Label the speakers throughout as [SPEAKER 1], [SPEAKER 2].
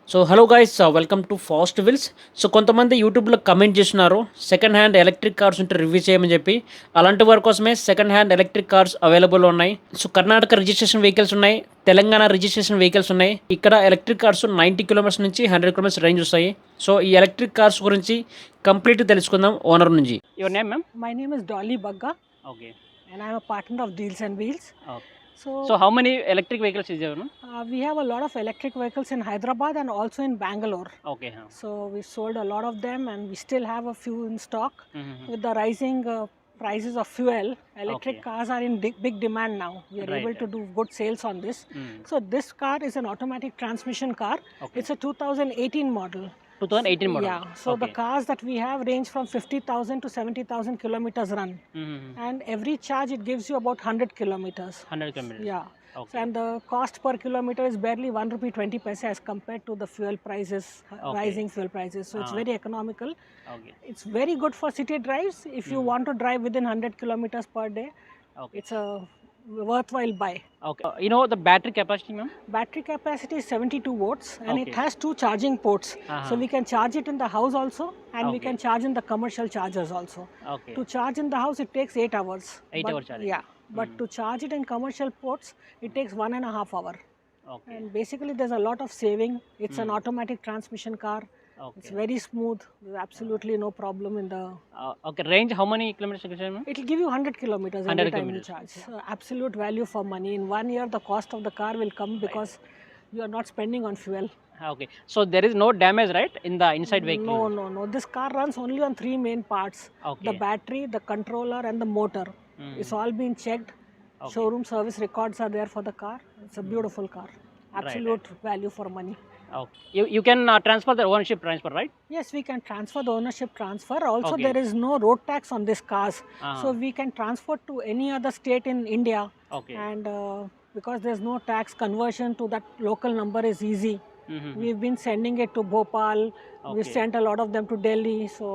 [SPEAKER 1] So hello guys, welcome to Fast Wheels. So కొంతమంది యూట్యూబ్లో comment చేస్తున్నారు సెకండ్ హ్యాండ్ ఎలక్ట్రిక్ కార్స్ ఉంటే review చేయమని చెప్పి. అలాంటి వారి కోసమే second hand electric cars available ఉన్నాయి. సో కర్ణాటక రిజిస్ట్రేషన్ వెహికల్స్ ఉన్నాయి, తెలంగాణ రిజిస్ట్రేషన్ వెహికల్స్ ఉన్నాయి. ఇక్కడ ఎలక్ట్రిక్ కార్స్ 90 కిలోమీటర్స్ నుంచి 100 కిలోమీటర్స్ రేంజ్ వస్తాయి. సో ఈ ఎలక్ట్రిక్ కార్స్ గురించి కంప్లీట్ తెలుసుకుందాం ఓనర్ నుంచి. Your name ma'am?
[SPEAKER 2] My name is Dolly Bagga
[SPEAKER 1] okay.
[SPEAKER 2] and I'm a partner of Deals and Wheels. So,
[SPEAKER 1] so how many electric vehicles is there?
[SPEAKER 2] we have a lot of electric vehicles in Hyderabad and also in Bangalore.
[SPEAKER 1] Okay.
[SPEAKER 2] So we sold a lot of them and we still have a few in stock. With the rising prices of fuel, electric
[SPEAKER 1] Okay.
[SPEAKER 2] cars are in big demand now. We are
[SPEAKER 1] Right,
[SPEAKER 2] able to do good sales on this. So this car is an automatic transmission car.
[SPEAKER 1] Okay.
[SPEAKER 2] It's a 2018 model.
[SPEAKER 1] 2018 model.
[SPEAKER 2] Yeah, so the cars that we have range from 50,000 to 70,000 kilometers run. And every charge it gives you about 100 kilometers.
[SPEAKER 1] 100 kilometers.
[SPEAKER 2] Yeah.
[SPEAKER 1] Okay.
[SPEAKER 2] And the cost per kilometer is barely 1 rupee 20 paise as compared to the fuel prices, rising fuel prices. So it's very economical.
[SPEAKER 1] Okay.
[SPEAKER 2] It's very good for city drives. If you want to drive within 100 kilometers per day,
[SPEAKER 1] Okay.
[SPEAKER 2] it's a worthwhile buy.
[SPEAKER 1] Okay. You know the battery capacity, ma'am?
[SPEAKER 2] Battery capacity is 72 volts and it
[SPEAKER 1] Okay.
[SPEAKER 2] has 2 charging ports. So we can charge it in the house also and we
[SPEAKER 1] Okay.
[SPEAKER 2] can charge in the commercial chargers also.
[SPEAKER 1] Okay.
[SPEAKER 2] To charge in the house it takes 8 hours.
[SPEAKER 1] 8 hour charging.
[SPEAKER 2] Yeah, but to charge it in commercial ports it takes 1.5 hour.
[SPEAKER 1] Okay.
[SPEAKER 2] And basically there's a lot of saving. It's an automatic transmission car. It's
[SPEAKER 1] Okay.
[SPEAKER 2] very smooth. There's absolutely no problem in the.
[SPEAKER 1] Okay. Range how many kilometers you can say, ma'am?
[SPEAKER 2] It'll give you 100 kilometers
[SPEAKER 1] 100
[SPEAKER 2] every time you
[SPEAKER 1] kilometers.
[SPEAKER 2] charge. So absolute value for money. In 1 year the cost of the car will come because you are not spending on fuel.
[SPEAKER 1] Okay. So there is no damage, right, in the inside vehicle?
[SPEAKER 2] No. This car runs only on 3 main parts.
[SPEAKER 1] Okay.
[SPEAKER 2] The battery, the controller and the motor. It's all been checked.
[SPEAKER 1] Okay.
[SPEAKER 2] Showroom service records are there for the car. It's a beautiful car. Absolute value for money.
[SPEAKER 1] Okay. You can transfer the ownership transfer, right?
[SPEAKER 2] Yes, we can transfer the ownership transfer. Also,
[SPEAKER 1] Okay.
[SPEAKER 2] there is no road tax on these cars.
[SPEAKER 1] Ah.
[SPEAKER 2] So, we can transfer to any other state in India.
[SPEAKER 1] Okay.
[SPEAKER 2] And because there's no tax, conversion to that local number is easy.
[SPEAKER 1] Mm-hmm.
[SPEAKER 2] We've been sending it to Bhopal. We've
[SPEAKER 1] Okay.
[SPEAKER 2] sent a lot of them to Delhi. So,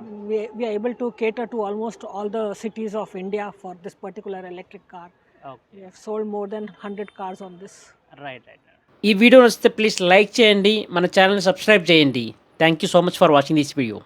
[SPEAKER 2] we are able to cater to almost all the cities of India for this particular electric car.
[SPEAKER 1] Okay.
[SPEAKER 2] We have sold more than 100 cars on this.
[SPEAKER 1] Right. ఈ video నచ్చితే please like చేయండి, మన ఛానల్ని subscribe చేయండి. Thank you so much for watching this video.